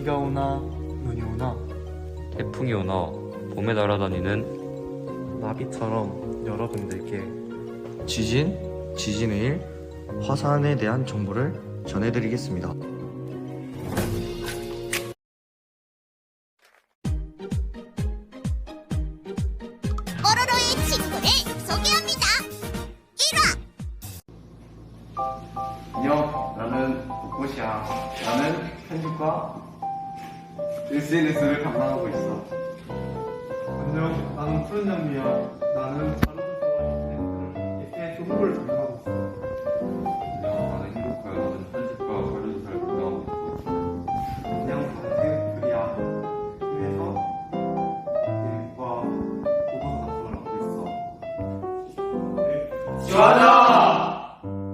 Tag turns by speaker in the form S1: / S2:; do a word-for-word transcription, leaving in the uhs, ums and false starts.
S1: 비가 오나 눈이 오나
S2: 태풍이 오나 봄에 날아다니는
S1: 나비처럼 여러분들께
S3: 지진, 지진의 일, 화산에 대한 정보를 전해드리겠습니다.
S4: 뽀로로의 친구를 소개합니다. 일 화
S5: 안녕, 나는 벚꽃이야. 나는 편집과 에스엔에스를 담당하고 있어.
S1: 안녕, 나는 푸른 장미야. 나는 자료조사와 에스엔에스 홍보를 담당하고 있어.
S5: 안녕, 나는 행복하야. 나는 편집과 자료조사를 담당하고 있어.
S1: 안녕, 나는 그리야. 그래서 교육과 보도서 작성을 하고 있어. 네.
S5: 좋아요!